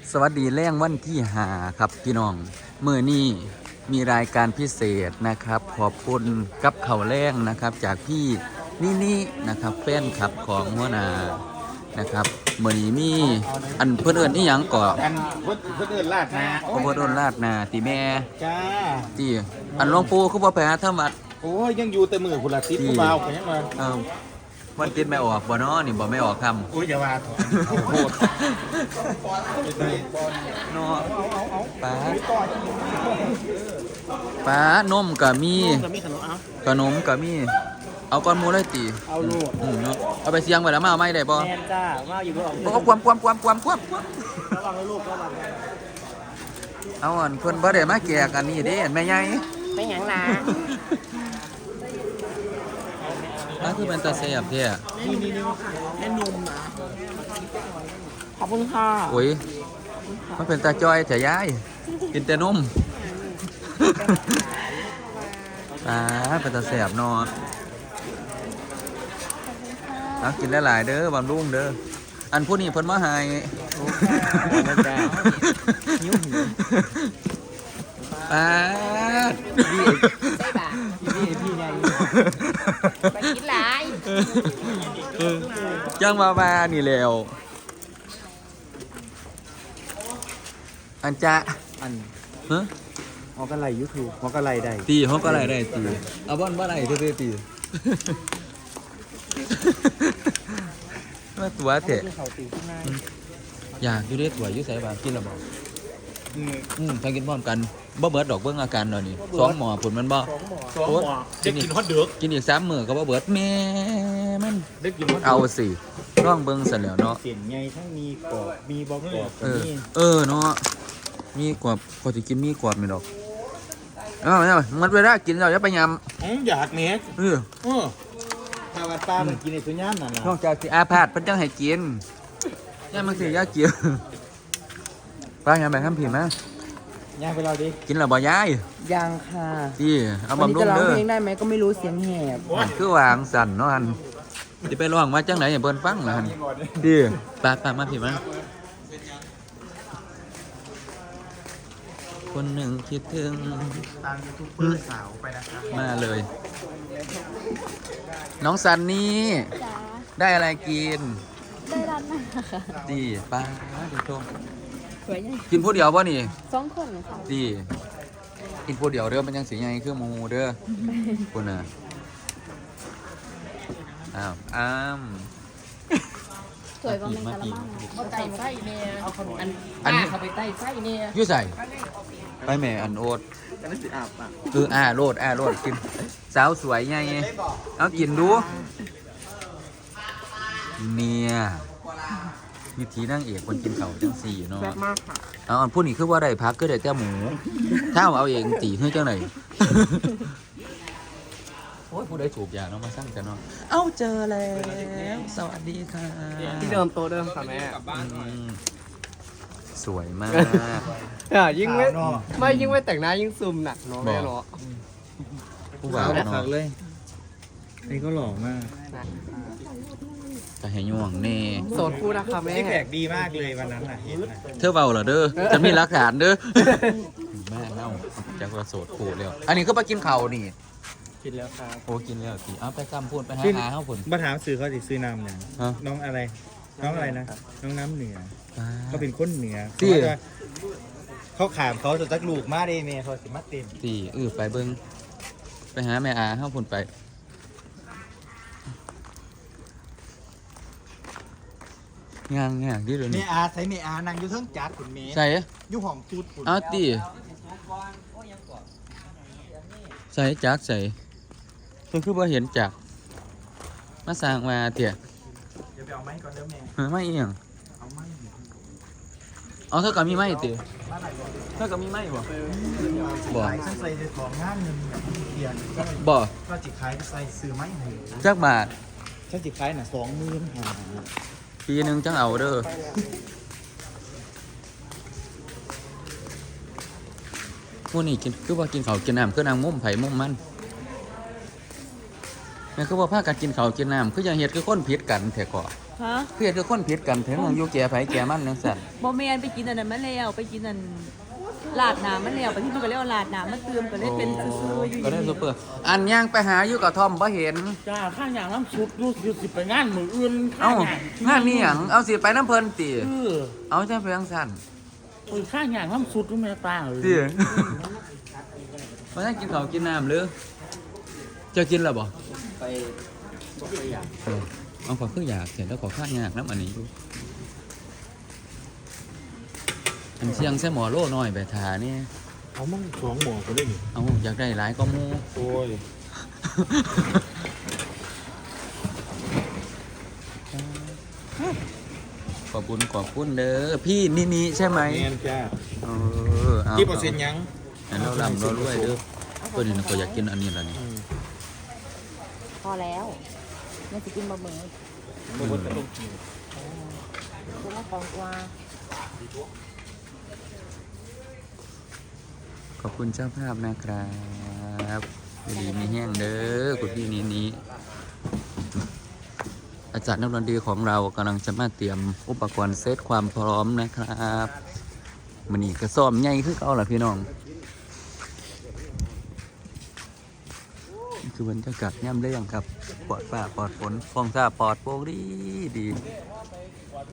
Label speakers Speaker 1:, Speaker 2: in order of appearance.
Speaker 1: สวัสดีแรงวันที่5ครับพี่น้องมื้อนี้มีรายการพิเศษนะครับขอบคุณกับข้าวแรงนะครับจากพี่นี่นะครับแฟนคลับของหัวหน้านะครับมื้อนี้มีอันเพิ่นเอิ้นอีหยังก่อ
Speaker 2: อันเพิ่นเอิ้นลาดนา
Speaker 1: เพิ่นเอิ้นลาดหน้าติแม่
Speaker 2: จ้า
Speaker 1: ติอันหลวงปู่คือบ่ไปหาธรรมะ
Speaker 2: โอ้ยยังอยู่แต่มือพุ่นละติดผู้บ่าวก็ยังมา
Speaker 1: มันติดไม่ออกบ่เนาะนี่บ่ไม่ออกคำ
Speaker 2: โอ้ยอย่าว่าโหด
Speaker 1: เนาะป้านมก็มีขนมก็มีเอาก้อนหมูเลยติ
Speaker 2: เอาลูก
Speaker 1: เนาะเอาไปเสียงไว้แล้วมาเอาไม่ได้บ่
Speaker 2: แม่นจ้าว่าอยู่บ่ออก
Speaker 1: เอาความ
Speaker 2: ระวังลูกระวัง
Speaker 1: เอาอันเพิ่นบ่ได้มาแจกอันนี้เด้แม่ใหญ่
Speaker 3: ไม่หยังนะ
Speaker 1: คือเป็นตาแซ่บแท้
Speaker 2: นี่แม่นมนะ
Speaker 3: ขอบคุณค่ะ
Speaker 1: โอ้ยมันเป็นตาจอยแต่ยายกินแต่นมเป็นตาแซ่บเนาะเอากินหลายๆเด้อบำรุงเด้ออันผู้นี้เพิ่นมาให้
Speaker 3: พี่ไงไปกินหลาย
Speaker 1: จังมานี่แล้วอันจะ
Speaker 2: อัน
Speaker 1: ฮะ
Speaker 2: ฮอกอะไรยูทูบฮอกอะไรได้
Speaker 1: ตีฮอกอะไรได้ตีเอาบ่อนบ่ได้เด้อตีมาตัวเถอะอยากอยู่ได้ตัวอยู่ใส่บางกินแล้วบ่ถ้ากินพร้อมกันบ่เบิดดอกเบิ่งอาการหน่อยนี่2หม้อผลมันบ่
Speaker 2: 2หม้อจะกินฮอตเดือก
Speaker 1: กินอีก3มื้อก็บ่เบิดแม่มัน
Speaker 2: ได้กินฮอต
Speaker 1: เอาสิลองเบิ่งซะแล้วเนาะ
Speaker 2: เสียนใหญ่ทั้งมีกรอบมีบ่กรอบ
Speaker 1: เนาะมีกรอบพอสิกินมีกรอบนี่ดอกมันเวลากินแล้วอย่าไปยำ
Speaker 2: อยากแหน่ถ้าว่าปลามันกินในสุญญามนั่นล่ะ
Speaker 1: นอกจากสิอาพาธเพิ่นจังให้กินย่ามันสิอยากกินปลาอย่างแบบทำผิดมั้ย
Speaker 2: ย่างไปเราดิ
Speaker 1: กินแล้วบ่ยาย
Speaker 3: ยังค่ะ
Speaker 1: ที่เอาบำรุงเด้อ
Speaker 3: จะร้องเพลงได้ไหมก็ไม่รู้เสียงแหบ
Speaker 1: คือวางสั่นเนาะหั่นสิไปร้องมาจังไหนให้เพิ่นฟังล่ะหั่นที่ปลามาผิดมั้ยคนหนึ่งคิดถึง
Speaker 2: ตามยูทูบเบอร์สาวไปนะครับ
Speaker 1: มาเลยน้องซันนี่ได้อะไรกิน
Speaker 4: ได้ร้านมาค่ะ
Speaker 1: ดีป้าดูชม
Speaker 4: สวยใหญ่
Speaker 1: กินผู้เดียวป่ะนี่
Speaker 4: 2 คนค่ะ
Speaker 1: ดีกินผู้เดียวเด้อมันยังสีใหญ่คือหมูเด้อคุณน่ะ
Speaker 4: สวยกว่าแมงกะละมัง
Speaker 3: เขาไต่ไส้เนี่ยอันเขาไปไต่ไส้เนี่ย
Speaker 1: ยุ่ใส่ไปแม่อันโอ๊ตโลดกินสาวสวยไงเอากินดูเนี่ยวิธีนั่งเอกคนกินเข่าจังสี่เนาะ
Speaker 3: แบบมากค่ะ
Speaker 1: เอาพูดนี่คือว่าได้พักก็ได้แต่หมูถ้าเอาเองตีให้เจ้าไหนโอ้ยผู้ใดสูบยาเนาะมาสร้างกันเนาะเอาเจอแล้วสวัสดีค่ะ
Speaker 3: ที่เดิมโตเดิมค่ะแม่
Speaker 1: สวยมาก
Speaker 3: ยิ่งไม่แต่งหน้ายิ่งซูมหนักเนาะแม่เนาะ
Speaker 1: ผู้บ่าวเนาะ
Speaker 2: เลยนี่ก็หล่อมาก
Speaker 1: แต่ให้ย่วงเน่
Speaker 3: โสดคู่นะคะแม่
Speaker 2: แขกดีมากเลยวันนั้นน่ะเห็นนะ
Speaker 1: เธอเบาเหรอเด้อจะมีหลักฐานเด้อแม่เน่าจะกระโสดคู่แล้วอันนี้ก็ไปกินข้าวนี่
Speaker 2: กินแล้วครับ
Speaker 1: โอ้กินแล้วสิเอาไปซ้ำพูดไปหาเขาผล
Speaker 2: มาถามซื้อเขาสิซื้อน้ำเนี่ยน้องอะไรน้องน้ำเหนือเขาเป็นคนเหนือเขาขามเขาจะจักลูกมาได้เมย์เขาสิมาเต็ม
Speaker 1: ตีไปเบิ้งไปหาแม่อาเขาผลไปงานที่เดี๋ยวนี้
Speaker 2: แม่อาใส่แม่อานั่งอยู่เทิงจัดขุนเมย์
Speaker 1: ใส่
Speaker 2: อยู่ห้องตูดขุน
Speaker 1: เอาตีใส่จักใส่เพิ่งคือว่าเห็นจักมาสร้างมาเถี่ย
Speaker 2: เดี๋ยวไปเอาไม้ก่อนเด้อแม่
Speaker 1: ไม่เอียง
Speaker 2: เอาไม้
Speaker 1: เท่ากับมีไม้เตี๋ยเท่ากับมีไม้บ่
Speaker 2: ใส่ของงานหนึ่งเทียน
Speaker 1: บ่
Speaker 2: ก็จิขายใส่ซื้อไม้ให้
Speaker 1: จักบาท
Speaker 2: ถ้าจิขายน่ะ20,000
Speaker 1: ปีนึงจังเอาเด้อพวกนี้กินคือว่ากินข้าวกินน้ำคือนางมุมไผ่มุมมันนี่คือว่าพากันกินข้าวกินน้ำคืออย่างเหตุคือคนผิดกันแท้ก่อคือเหตุคือคนผิดกันถึงอยู่แก่ไผ่แก่มันจังซั่น
Speaker 5: บอแมนไปกินอันนั้นมาแล้วไปกินอันลาดน้ำมาแล้วไปที่มันก็เรียกว่าลาดน้ำมาเติมก็เลยเป็นซื่อๆอยู่
Speaker 1: ก็ได้ซุปเปอร์อันย่างไปหาอยู่กับทอมบ่เห็น
Speaker 6: จ้าข้างอย่างน้ำซุปดูสิไปงานมืออื่น
Speaker 1: เอ้า งานนี้หยังเอาสิไปน้ำเพลินติ
Speaker 6: เออ
Speaker 1: เอาจังไปจังซั่น
Speaker 6: ไปข้างอย่างน้ำซุปดูแม่ตาเลย
Speaker 1: ติมาได้กินข้าวกินน้ำหรือเจ้ากินแล้วบ่
Speaker 3: ไปบ่เคยอยาก
Speaker 1: เอาขอคืออยากเสร็จแล้วขอข้างยากน้ำอันนี้ดูอันเชียงแซ่หมอโล่น้อยไปทานี่
Speaker 2: เอามั่งสองหมอก็ได้นี่
Speaker 1: เอาอยากได้หลายก็มู
Speaker 2: โอ้ย
Speaker 1: ขอบคุณเด้อพี่นี่ใช่ไหม
Speaker 2: แมนจ้า
Speaker 1: เออเอา
Speaker 2: กี่เปอร์เซ็นต์ยัง
Speaker 1: ให้เราลำเรารวยเด้อตัวนี้นะก็อยากกินอันนี้แล้วนี่
Speaker 4: พอแล้วยังจะกินบะหมี่
Speaker 2: บ่บ่ต้องกิน
Speaker 4: คุณละของกว่า
Speaker 1: ขอบคุณเจ้าภาพนะครับดีมีแห้งเด้อคุณพี่นี้อาจารย์นักดนตรีของเรากำลังจะมาเตรียมอุปกรณ์เซตความพร้อมนะครับมันนี่กระซ้อมใหญ่คือเอาล่ะพี่น้องนี่คือบรรยากาศย่ำเรื่องครับปลอดฟ้าปลอดฝนฟองซ่าปลอดโปร่งดี